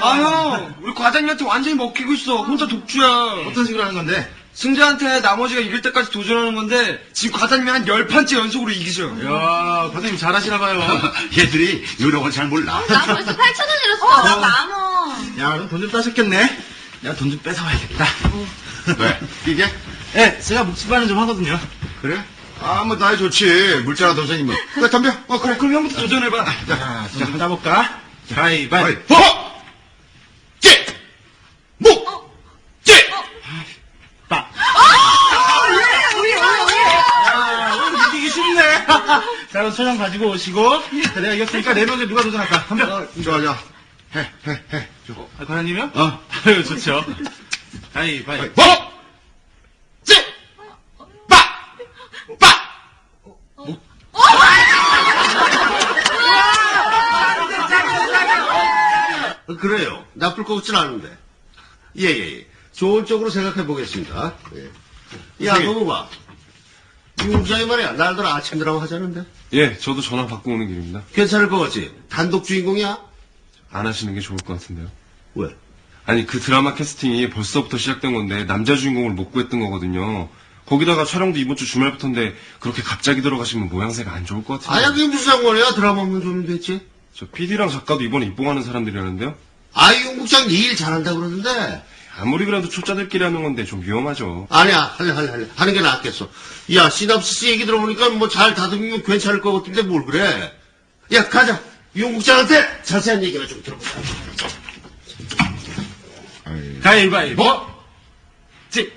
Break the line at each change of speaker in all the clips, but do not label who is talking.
아, 형, 우리 과장님한테 완전히 먹히고 있어. 혼자 독주야.
어떤 식으로 하는 건데?
승자한테 나머지가 이길 때까지 도전하는 건데, 지금 과장님이 한 10판째 연속으로 이기죠.
이야, 과장님 잘하시나봐요.
얘들이 요령을 잘 몰라.
나 벌써 8,000원 잃었어. 나 만원.
야, 그럼 돈 좀 따셨겠네? 야, 돈 좀 뺏어와야겠다.
왜? 이게?
네, 제가 묵찌반은 좀 하거든요.
그래? 아, 뭐, 나야 좋지. 물자나 도전이면. 그래, 덤벼. 그래.
그럼 형부터 도전해봐.
자, 돈 좀 따볼까? 가위바위보!
찌! 묵! 찌!
빠!
우리.
이기기 쉽네. 자, 그럼 소장 가지고 오시고. 자, 내가 이겼으니까 4명 중에 누가 도전할까? 덤벼.
좋아. 해.
아, 과장님이요?
어.
아유, 좋죠. 가위바위보!
찌! 빠! 빠! 그래요. 나쁠 것 같진 않은데. 예. 좋은 쪽으로 생각해 보겠습니다. 예. 야, 너무 봐. 유국장이 말이야. 날들 아침 드라마 하자는데.
예, 저도 전화 받고 오는 길입니다.
괜찮을 것 같지? 단독 주인공이야?
안 하시는 게 좋을 것 같은데요.
왜?
아니, 그 드라마 캐스팅이 벌써부터 시작된 건데 남자 주인공을 못 구했던 거거든요. 거기다가 촬영도 이번 주 주말부터인데 그렇게 갑자기 들어가시면 모양새가 안 좋을 것 같은데.
아야, 그게 무슨 상관이야? 드라마 없는 좀 됐지?
저 PD랑 작가도 이번에 입봉하는 사람들이라는데요.
용국장 네 일 잘한다 그러는데.
아무리 그래도 초짜들끼리 하는 건데 좀 위험하죠.
아니야, 할래. 하는 게 낫겠어. 야, 시납시스 얘기 들어보니까 뭐 잘 다듬으면 괜찮을 것 같은데 뭘 그래. 야, 가자. 용국장한테 자세한 얘기나 좀 들어보자.
가위바위보! 찌!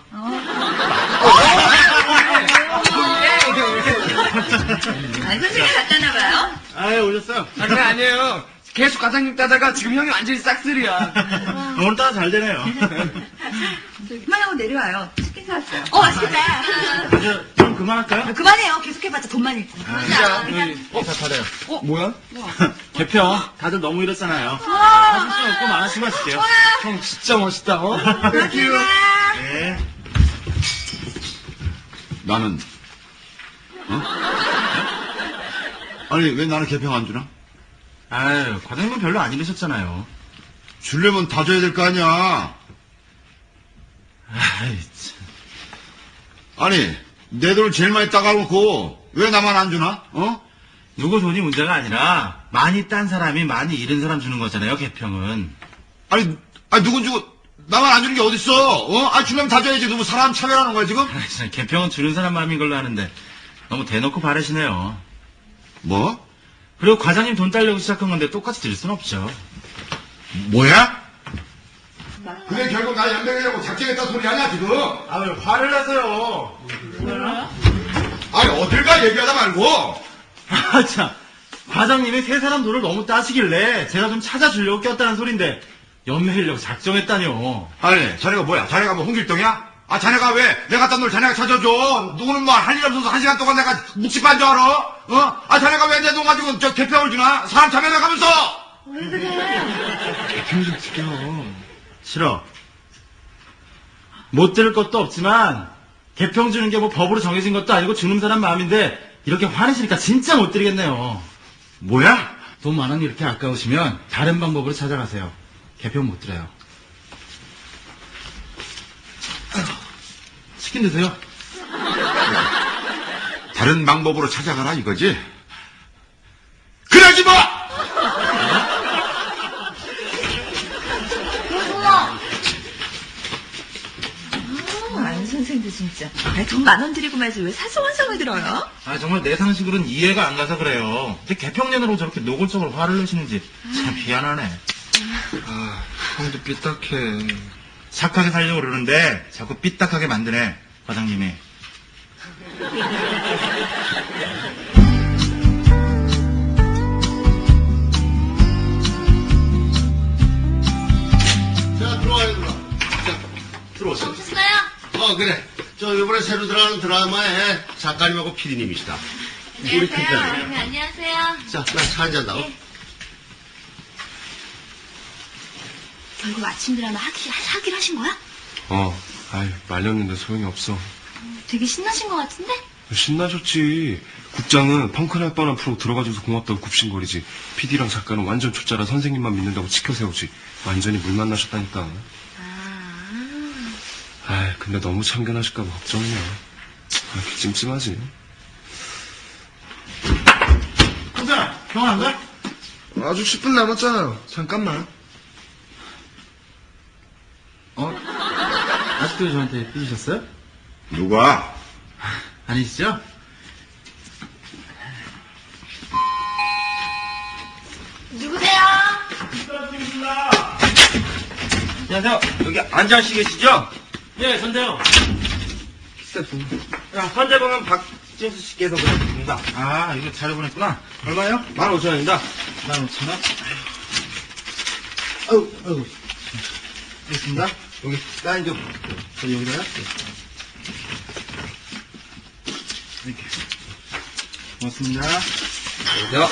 선생님 갔다나봐요.
아유, 오셨어요?
그게 아니에요. 계속 과장님 따다가 지금 형이 완전히 싹쓸이야.
오늘따라 잘 되네요.
그만하고 내려와요. 치킨 사왔어요. 맛있겠다.
좀 그만할까요?
그만해요. 계속해봤자 돈만 잃고.
자, 받아요.
뭐야?
개평. 다들 너무 이렇잖아요. 하실 수 없고 많으시면 하실게요.
형 진짜 멋있다,
네.
나는, 아니, 왜 나는 개평 안 주나?
아유, 과장님은 별로 안 이러셨잖아요.
주려면 다 줘야 될 거 아니야.
아이, 참.
아니, 내 돈을 제일 많이 따가놓고, 왜 나만 안 주나?
누구 돈이 문제가 아니라, 많이 딴 사람이 많이 잃은 사람 주는 거잖아요, 개평은.
아니, 누군 주고, 나만 안 주는 게 어딨어? 주려면 다 줘야지. 너무 사람 차별하는 거야, 지금?
아이, 참, 개평은 주는 사람 마음인 걸로 아는데, 너무 대놓고 바르시네요.
뭐?
그리고 과장님 돈 따려고 시작한 건데 똑같이 드릴 순 없죠.
뭐야? 그게 결국 나 연병이라고 작정했다 소리 아니야, 지금?
아, 왜 화를 내세요?
아니, 어딜 가 얘기하다 말고.
아, 참. 과장님이 세 사람 돈을 너무 따시길래 제가 좀 찾아주려고 꼈다는 소린데, 연매이려고 작정했다뇨.
아니, 자네가 뭐야? 자네가 뭐 홍길동이야? 자네가 왜 내가 딴 걸 자네가 찾아줘? 누구는 뭐 할 일 없어서 1시간 동안 내가 묵직한 줄 알아? 자네가 왜 내 돈 가지고 저 개평을 주나? 사람 참여해 가면서!
개평 좀 지켜.
싫어. 못 들을 것도 없지만, 개평 주는 게 뭐 법으로 정해진 것도 아니고 주는 사람 마음인데, 이렇게 화내시니까 진짜 못 드리겠네요.
뭐야?
돈 만 원 이렇게 아까우시면 다른 방법으로 찾아가세요. 개평 못 드려요. 치킨 드세요.
다른 방법으로 찾아가라 이거지? 그러지 마!
안 선생도 진짜. 돈 10,000원 드리고 말지 왜 사소한성을 들어요?
아, 정말 내 상식으로는 이해가 안 가서 그래요. 근데 개평년으로 저렇게 노골적으로 화를 내시는지 참 미안하네.
형도 삐딱해.
착하게 살려고 그러는데 자꾸 삐딱하게 만드네, 과장님이.
자, 들어와요, 들어와. 자, 들어오세요.
오셨어요?
그래. 저, 이번에 새로 들어가는 드라마에 작가님하고 PD님이시다. 우리 PD님.
네, 안녕하세요.
자, 나 차 한잔 나오.
결국 아침 드라마 하기로 하신 거야?
말렸는데 소용이 없어.
되게 신나신 것 같은데?
신나셨지. 국장은 펑크날 뻔한 프로 들어가줘서 고맙다고 굽신거리지. PD랑 작가는 완전 초짜라 선생님만 믿는다고 치켜세우지. 완전히 물 만나셨다니까. 아, 근데 너무 참견하실까봐 걱정이야. 이렇게 찜찜하지.
국장, 병원 안 가?
아직 10분 남았잖아요. 잠깐만.
아직도 저한테 삐지셨어요?
누가?
아니시죠?
누구세요?
안녕하세요. 여기 앉아시 계시죠?
예, 선대요.
선대방은 박진수 씨께서 그러십니다.
아, 이거 자료 보냈구나. 얼마요?
15,000원입니다.
15,000원. 아이고. 있습니다.
여기, 사인 좀.
여기다요? 이렇게. 고맙습니다.
야.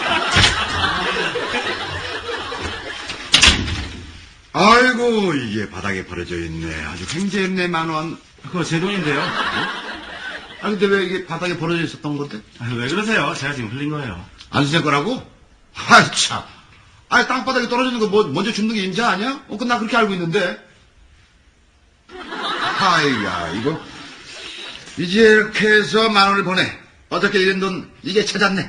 아이고, 이게 바닥에 버려져 있네. 아주 횡재했네, 10,000원.
그거 제 돈인데요.
아, 근데 왜 이게 바닥에 버려져 있었던 건데?
아, 왜 그러세요? 제가 지금 흘린 거예요.
안수생 거라고? 아이, 참. 아이, 땅바닥에 떨어지는 거 먼저 줍는 게 임자 아니야? 나 그렇게 알고 있는데.
아이야, 이거. 이제 이렇게 해서 10,000원을 보내. 어떻게 이런 돈, 이게 찾았네.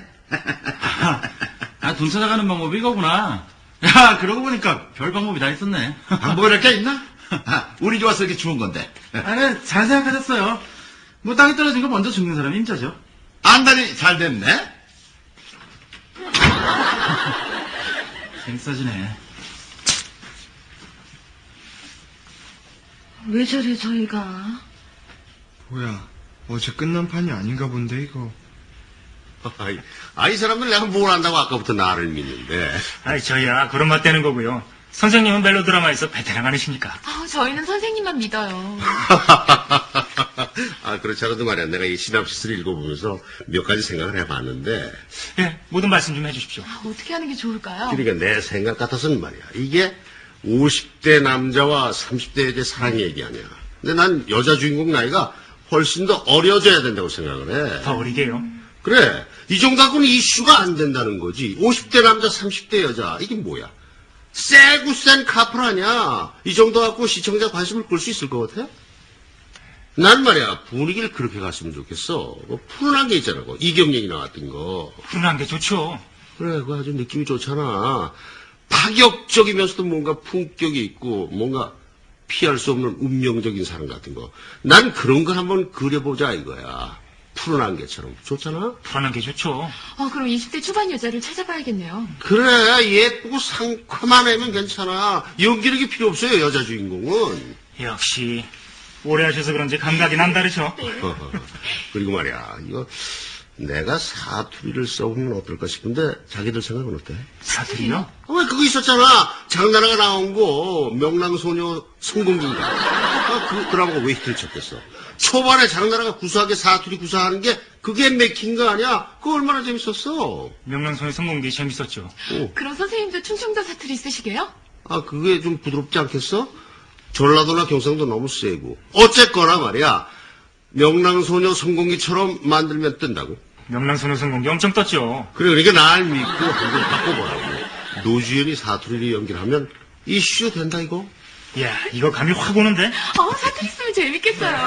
돈 찾아가는 방법이 이거구나. 야, 그러고 보니까 별 방법이 다 있었네.
방법이 이렇게 있나? 운이 좋아서 이렇게 주운 건데.
아니, 잘 생각하셨어요. 뭐 땅에 떨어진 거 먼저 죽는 사람이 임자죠.
안달이 잘 됐네?
재밌어지네.
왜 저래, 저희가?
뭐야, 어제 끝난 판이 아닌가 본데, 이거.
이 사람들 내가 뭘 안다고 아까부터 나를 믿는데.
아이, 저희야, 그런 맛 되는 거고요. 선생님은 멜로드라마에서 베테랑 아니십니까?
저희는 선생님만 믿어요.
그렇지 않아도 말이야. 내가 이 시납시스를 읽어보면서 몇 가지 생각을 해봤는데.
예, 모든 말씀 좀 해주십시오.
어떻게 하는 게 좋을까요?
그러니까 내 생각 같아서는 말이야. 이게 50대 남자와 30대 여자의 사랑 얘기 아니야. 근데 난 여자 주인공 나이가 훨씬 더 어려져야 된다고 생각을 해.
더 어리게요.
그래. 이 정도 갖고는 이슈가 안 된다는 거지. 50대 남자, 30대 여자. 이게 뭐야? 세고 센 카풀 아니야. 이 정도 갖고 시청자 관심을 끌 수 있을 것 같아? 난 말이야. 분위기를 그렇게 갔으면 좋겠어. 뭐 푸른한 게 있잖아. 이경영이 나왔던 거.
훈훈한 게 좋죠.
그래. 그거 아주 느낌이 좋잖아. 파격적이면서도 뭔가 품격이 있고 뭔가 피할 수 없는 운명적인 사람 같은 거. 난 그런 걸 한번 그려보자 이거야. 푸른한 개처럼. 좋잖아?
불안한 게 좋죠.
그럼 20대 초반 여자를 찾아봐야겠네요.
그래. 예쁘고 상큼한 애면 괜찮아. 연기력이 필요 없어요. 여자 주인공은.
역시 오래 하셔서 그런지 감각이 남다르죠.
그리고 말이야. 이거 내가 사투리를 써보면 어떨까 싶은데 자기들 생각은 어때?
사투리요?
왜 그거 있었잖아. 장나라가 나온 거 명랑소녀 성공기인가. 그 드라마가 왜 히트를 쳤겠어. 초반에 장나라가 구수하게 사투리 구사하는 게 그게 맥힌 거 아니야. 그거 얼마나 재밌었어.
명랑소녀 성공기 재밌었죠.
그럼 선생님도 충청도 사투리 쓰시게요?
그게 좀 부드럽지 않겠어? 전라도나 경상도 너무 세고. 어쨌거나 말이야. 명랑소녀 성공기처럼 만들면 뜬다고.
명랑소녀 성공기 엄청 떴죠.
그래, 그러니까 날 믿고 한번 바꿔보라고. 노주현이 사투리를 연기하면 이슈 된다 이거.
이야, 이거 감이 확 오는데?
사투리 쓰면 재밌겠어요.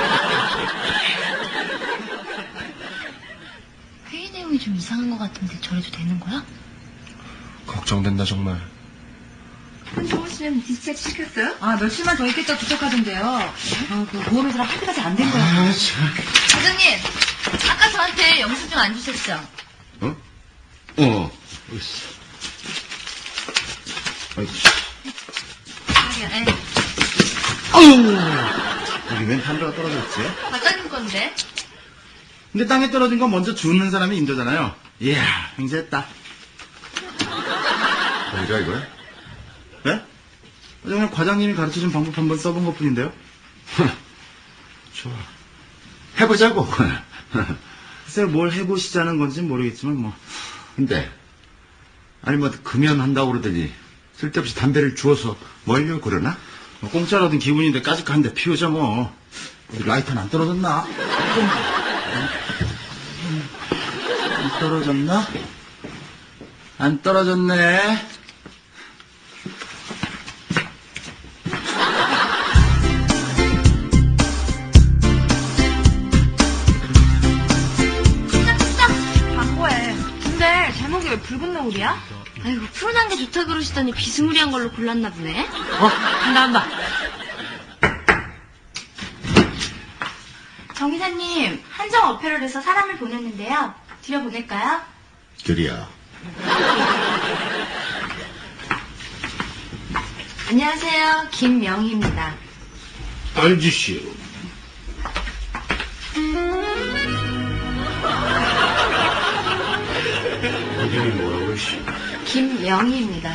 회의 내용이 좀 이상한 것 같은데 저래도 되는 거야?
걱정된다, 정말.
손정호 씨는 디스차지 시켰어요?
며칠만 더 있겠다 도착하던데요. 그 보험회사랑 합의까지 안 된 거야.
과장님, 아까 저한테 영수증 안 주셨죠?
여기 웬 담배가 떨어졌지?
과장님 건데.
근데 땅에 떨어진 건 먼저 주는 사람이 임자잖아요. 이야, 횡재했다.
뭐야, 이거야?
네? 그냥 과장님이 가르쳐준 방법 한번 써본 것 뿐인데요.
좋아. 해보자고.
글쎄 뭘 해보시자는 건지 모르겠지만 뭐.
근데, 아니, 금연한다고 그러더니, 쓸데없이 담배를 주워서 멀려 그러나?
공짜로 얻은 기분인데 까짓거 한 대 피우자 뭐.
어디 라이터는 안 떨어졌나? 떨어졌나? 안 떨어졌네.
광고해. 근데 제목이 왜 붉은 노을이야? 아이고, 푸른한 게 좋다 그러시더니 비스무리한 걸로 골랐나 보네.
한다.
정 기사님, 한정 어페럴에서 사람을 보냈는데요. 들여보낼까요?
그리야.
안녕하세요. 김명희입니다.
알지시오. 이름이 뭐라고 씨?
김명희입니다.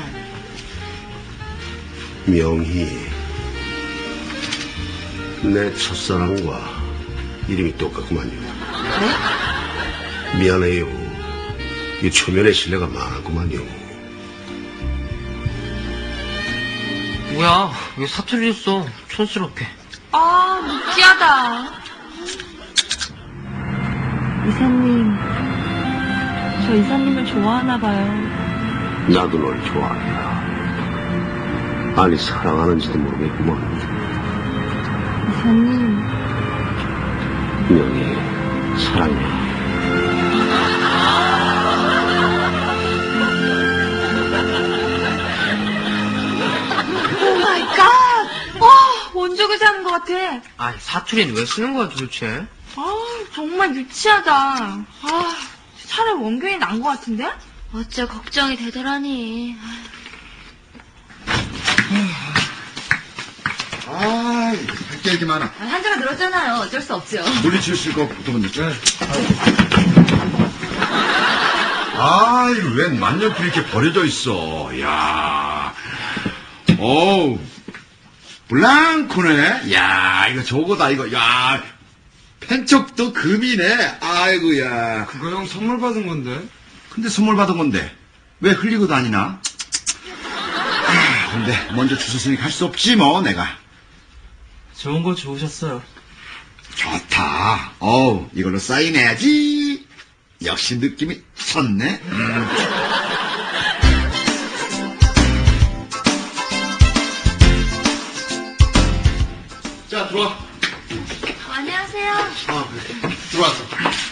명희. 내 첫사랑과 이름이 똑같구만요.
네?
미안해요. 이 초면에 신뢰가 많았구만요.
뭐야, 왜 사투리 줬어? 촌스럽게.
아, 느끼하다. 이사님, 저 이사님을 좋아하나 봐요.
나도 널 좋아한다. 아니, 사랑하는지도 모르겠구만.
이사님,
명희, 사랑해.
오 마이 갓! 와, 원조교사 하는 것 같아.
아니, 사투리는 왜 쓰는 거야, 도대체?
아, 정말 유치하다. 아, 차라리 원균이 난 것 같은데? 어째 걱정이 되더라니.
아, 할 게 이렇게 많아.
한자가 늘었잖아요. 어쩔 수 없죠.
물리칠 거 보통 아이, 웬 만년필 이렇게 버려져 있어. 야, 어우, 블랑코네. 야, 이거 저거다, 이거. 야, 펜촉도 금이네. 아이고야.
그거 형 선물 받은 건데.
근데 선물 받은 건데 왜 흘리고 다니나? 근데 먼저 주셨으니 갈 수 없지 뭐 내가.
좋은 거 좋으셨어요.
좋다. 어우, 이걸로 사인해야지. 역시 느낌이 섰네.
자, 들어와.
안녕하세요.
아, 그래. 들어왔어.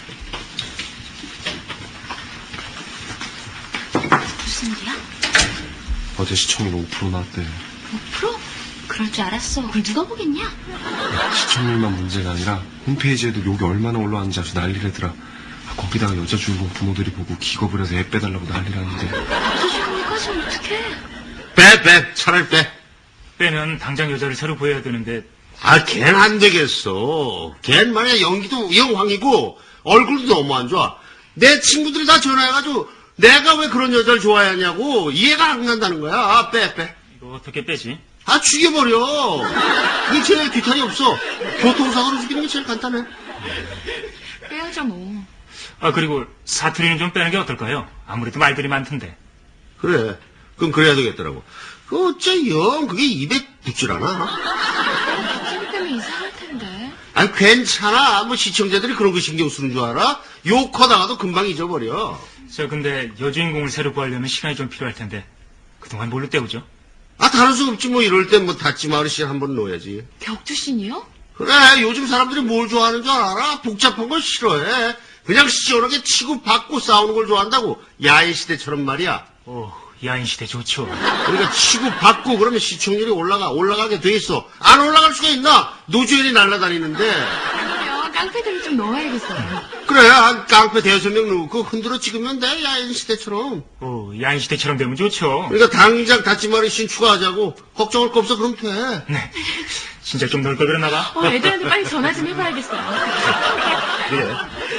무슨 일이야?
어제 시청률 5% 나왔대.
5%? 그럴 줄 알았어. 그걸 누가 보겠냐?
시청률만 문제가 아니라 홈페이지에도 욕이 얼마나 올라왔는지 아주 난리라더라. 아, 거기다가 여자 주인공 부모들이 보고 기겁을 해서 애 빼달라고 난리라는데.
주주님까지 어떡해?
빼. 차라리 빼.
빼면 당장 여자를 새로 구해야 되는데
아, 걘 안 되겠어. 걘 말이야, 연기도 영황이고, 얼굴도 너무 안 좋아. 내 친구들이 다 전화해가지고, 내가 왜 그런 여자를 좋아하냐고, 이해가 안 간다는 거야. 아, 빼.
이거 어떻게 빼지?
아, 죽여버려. 그게 제일 뒤탈이 없어. 교통사고로 죽이는 게 제일 간단해.
빼야죠 뭐.
아, 그리고 사투리는 좀 빼는 게 어떨까요? 아무래도 말들이 많던데.
그래. 그럼 그래야 되겠더라고. 그 어째 영, 그게 입에 붙질 않아.
쌤 때문에 이상할 텐데.
아니, 괜찮아. 뭐 시청자들이 그런 거 신경 쓰는 줄 알아? 욕하다가도 금방 잊어버려.
저 근데 여주인공을 새로 구하려면 시간이 좀 필요할 텐데 그동안 뭘로 때우죠?
아, 다른 수 없지. 뭐 이럴 땐 뭐 닫지마을 씨 한번 넣어야지.
격투신이요?
그래, 요즘 사람들이 뭘 좋아하는 줄 알아? 복잡한 걸 싫어해. 그냥 시원하게 치고 받고 싸우는 걸 좋아한다고. 야인 시대처럼 말이야.
야인 시대 좋죠.
그러니까 치고 받고 그러면 시청률이 올라가게 돼 있어. 안 올라갈 수가 있나? 노조연이 날아다니는데.
그러면 깡패들을 좀 넣어야겠어요.
그래, 한 깡패 대여섯 명 넣고 흔들어 찍으면 돼. 야인 시대처럼.
야인 시대처럼 되면 좋죠.
그러니까 당장 닫지마을 씬 추가하자고. 걱정할 거 없어. 그럼 돼.
네. 진짜 좀 넣을 걸 그랬나 봐.
애들한테 빨리 전화 좀 해봐야겠어요.
그래.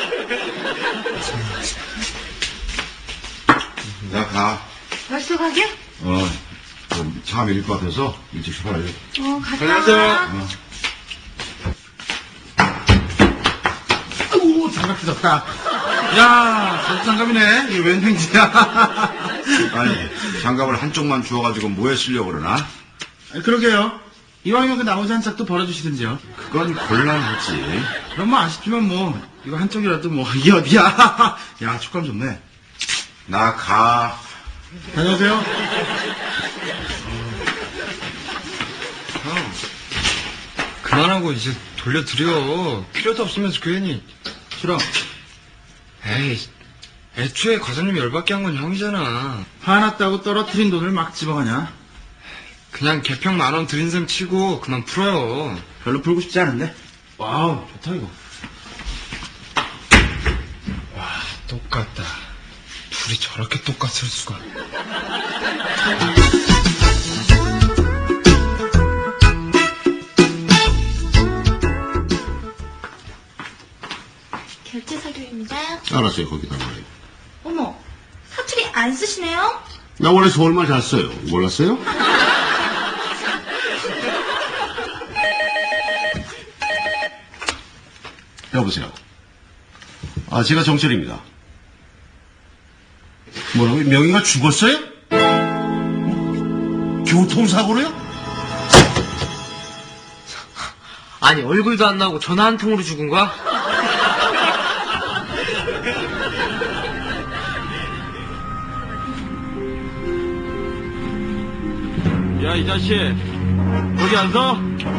야, 가.
벌써 가게?
차 밀릴 것 같아서 일찍 출발해.
갔다
안녕하세요.
와.
아이고, 장갑 뜯었다. 야, 저도 장갑이네. 이게 웬 횡지야. 아니, 장갑을 한쪽만 주워가지고 뭐에 쓰려고 그러나?
그러게요. 이왕이면 그 나머지 한 짝도 벌어주시든지요.
그건 곤란하지.
그럼 뭐 아쉽지만 뭐 이거 한쪽이라도 뭐 이게 어디야. 야, 촉감 좋네.
나 가.
다녀오세요.
형, 그만하고 이제 돌려드려. 필요도 없으면서 괜히.
싫어.
에이, 애초에 과장님이 열받게 한 건 형이잖아.
화났다고 떨어뜨린 돈을 막 집어가냐?
그냥 개평 10,000원 드린 셈 치고 그만 풀어요.
별로 풀고 싶지 않은데. 와우, 좋다 이거.
와, 똑같다. 둘이 저렇게 똑같을 수가.
결제 서류입니다.
알았어요, 거기다 말이에요.
어머, 사투리 안 쓰시네요?
나 원래 서울말 잘 써요. 몰랐어요? 여보세요. 아, 제가 정철입니다. 뭐라고요? 명희가 죽었어요? 교통사고로요?
아니, 얼굴도 안 나오고 전화 한 통으로 죽은 거야?
야, 이 자식. 거기 안 서?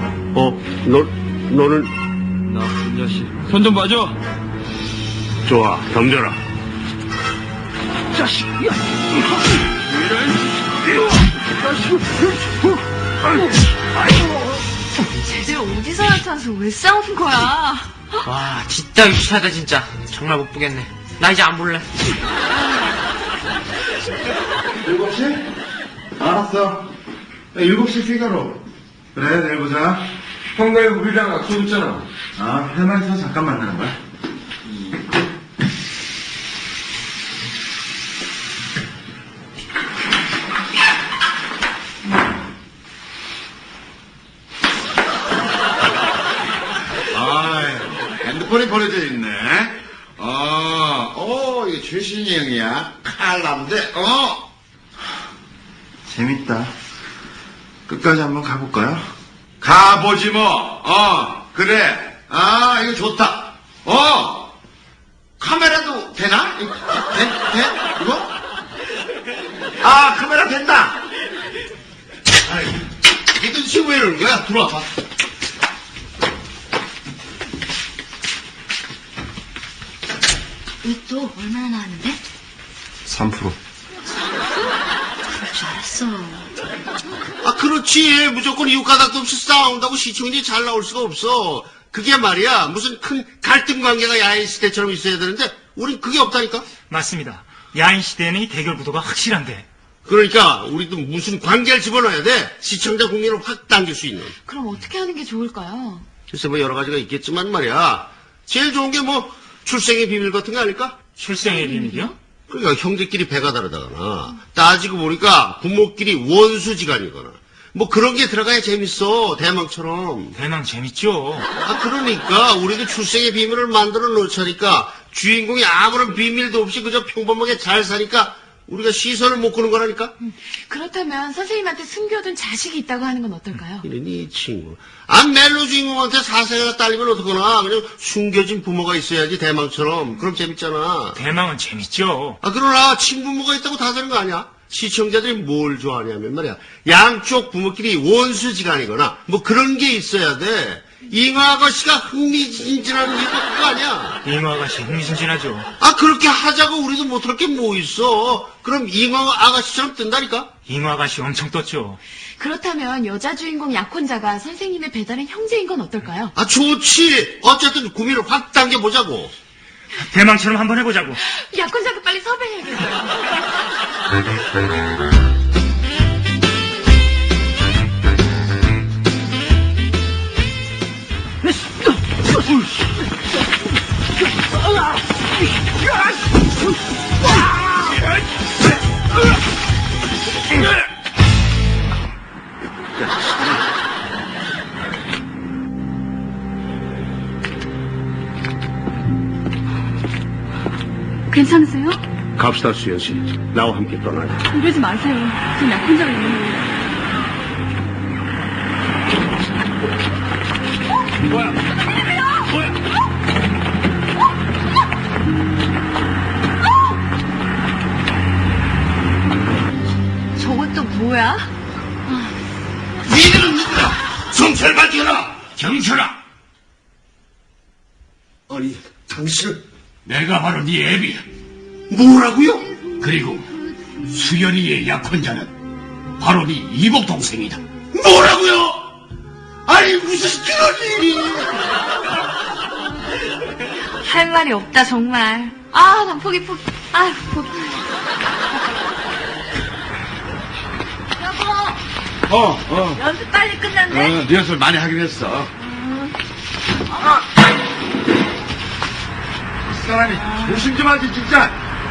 너는
나쁜 자식. 손 좀 봐줘.
좋아, 덤벼라.
쟤들 어디서 나타나서 왜 싸우는 거야?
와, 진짜 유치하다, 진짜. 정말 못 보겠네. 나 이제 안 볼래.
7시? 알았어. 7시 피가로. 그래, 내일 보자.
형 내일 우리랑 약속 있잖아.
아, 할 말 있어서 잠깐 만나는 거야? 핸드폰이 버려져 있네. 이게 최신이 형이야. 칼남대, 재밌다. 끝까지 한번 가볼까요? 가보지 뭐. 그래. 이거 좋다. 카메라도 되나? 돼? 이거? 카메라 된다. 이건 지금 왜 이러는 거야? 들어와봐.
로또 얼마나 나왔는데?
3%.
그럴 줄 알았어.
그렇지. 무조건 이유 까닭도 없이 싸운다고 시청률이 잘 나올 수가 없어. 그게 말이야. 무슨 큰 갈등 관계가 야인 시대처럼 있어야 되는데, 우린 그게 없다니까?
맞습니다. 야인 시대에는 이 대결 구도가 확실한데.
그러니까, 우리도 무슨 관계를 집어넣어야 돼. 시청자 국민을 확 당길 수 있는.
그럼 어떻게 하는 게 좋을까요?
글쎄, 뭐 여러 가지가 있겠지만 말이야. 제일 좋은 게 뭐, 출생의 비밀 같은 거 아닐까?
출생의 비밀이요?
그러니까 형제끼리 배가 다르다거나, 따지고 보니까 부모끼리 원수지간이거나, 뭐 그런 게 들어가야 재밌어. 대망처럼.
대망 재밌죠.
그러니까 우리도 출생의 비밀을 만들어 놓자니까 주인공이 아무런 비밀도 없이 그저 평범하게 잘 사니까 우리가 시선을 못 끄는 거라니까.
그렇다면 선생님한테 숨겨둔 자식이 있다고 하는 건 어떨까요?
이러니 이 친구. 멜로 주인공한테 사생활 딸리면 어떡하나. 그냥 숨겨진 부모가 있어야지 대망처럼. 그럼 재밌잖아.
대망은 재밌죠.
그러나 친부모가 있다고 다 되는 거 아니야? 시청자들이 뭘 좋아하냐면 말이야. 양쪽 부모끼리 원수지간이거나 뭐 그런 게 있어야 돼. 잉어 아가씨가 흥미진진한 이유가 그거 아니야.
잉어 아가씨 흥미진진하죠.
그렇게 하자고 우리도 못할 게 뭐 있어. 그럼 잉어 아가씨처럼 뜬다니까?
잉어 아가씨 엄청 떴죠.
그렇다면 여자 주인공 약혼자가 선생님의 배달의 형제인 건 어떨까요?
좋지. 어쨌든 구미를 확 당겨보자고.
대망처럼 한번 해보자고.
약혼자가 빨리 섭외해야겠어요.
괜찮으세요?
갑시다, 수연 씨. 나와 함께 떠나자.
이러지 마세요. 전 약혼자가 있는 거예요.
저건 또 뭐야?
니들은 누구야? 성철 밝혀라! 경철아!
아니, 당신은
내가 바로 네 애비야.
뭐라고요?
그리고 수연이의 약혼자는 바로 네 이복 동생이다.
뭐라고요? 아니, 무슨 그런 일이.
할 말이 없다, 정말. 아, 난 포기. 아, 포기. 여보, 연습 빨리 끝났네?
리허설 많이 하긴 했어. 이 사람이 조심 좀 하지, 진짜.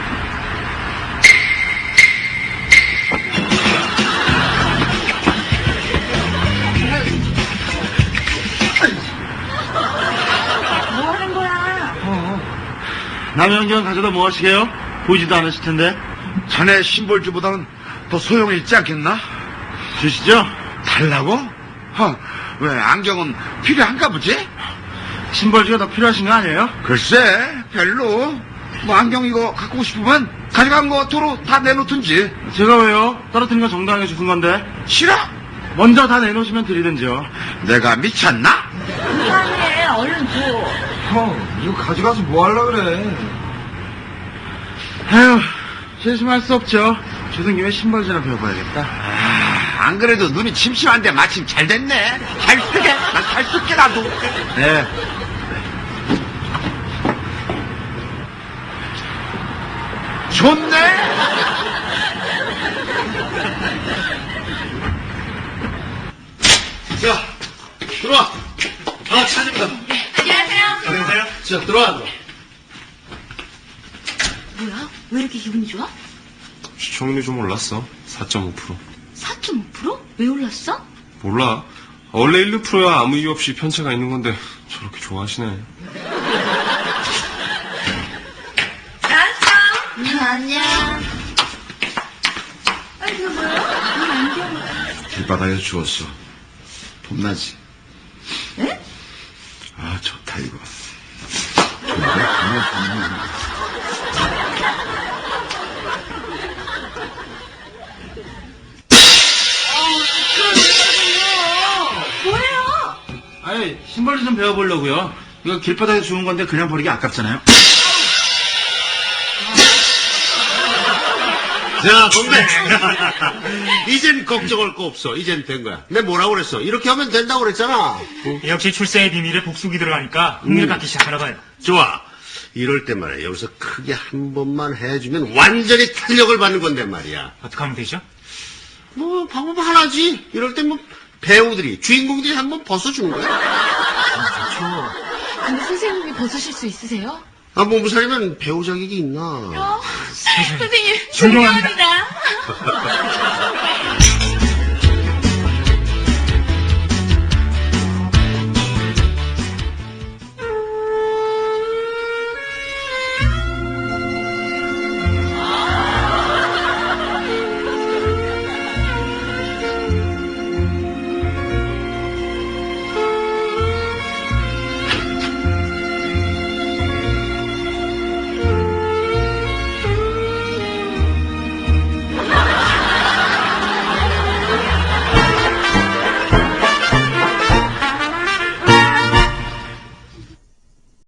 뭐 하는 거야?
남영경 가져다 뭐 하시게요? 보이지도 않으실 텐데.
자네 심벌주보다는 더 소용이 있지 않겠나?
주시죠?
달라고? 왜 안경은 필요한가 보지?
신벌주가 더 필요하신 거 아니에요?
글쎄, 별로. 뭐 안경 이거 갖고 싶으면 가져간 거 도로 다 내놓든지.
제가 왜요? 떨어뜨린 거 정당하게 주신 건데.
싫어?
먼저 다 내놓으시면 드리든지요.
내가 미쳤나?
이상해. 얼른 줘.
형, 이거 가져가서 뭐 하려 그래?
아휴, 실심할 수 없죠. 조선 김에 신벌주나 배워봐야겠다.
안 그래도 눈이 침침한데 마침 잘 됐네. 잘 쓰게. 난 잘 쓸게, 나도.
네.
좋네.
자, 들어와. 다 찾습니다.
안녕하세요.
자, 들어와.
뭐야? 왜 이렇게 기분이 좋아?
시청률이 좀 올랐어. 4.5%.
4.5%? 왜 올랐어?
몰라. 원래 1~2%야 아무 이유 없이 편차가 있는 건데 저렇게 좋아하시네.
안녕. 아니, 이거 뭐야?
길바닥에서 주웠어. 봄나지?
에?
아, 좋다, 이거.
뭐예요?
아니, 신벌주 좀 배워보려고요. 이거 길바닥에 주운 건데 그냥 버리기 아깝잖아요.
자, 동네. 이젠 걱정할 거 없어. 이젠 된 거야. 내가 뭐라고 그랬어? 이렇게 하면 된다고 그랬잖아.
역시 출세의 비밀에 복수기 들어가니까 흥미를 갖기 시작하나 봐요.
좋아. 이럴 때 말이야. 여기서 크게 한 번만 해주면 완전히 탄력을 받는 건데 말이야.
어떻게 하면 되죠?
뭐, 방법 하나지. 이럴 때 뭐, 배우들이, 주인공들이 한 번 벗어주는 거야.
근데 선생님이 벗으실 수 있으세요?
아, 몸살이면 배우 자격이 있나.
선생님,
존경합니다.
존경합니다.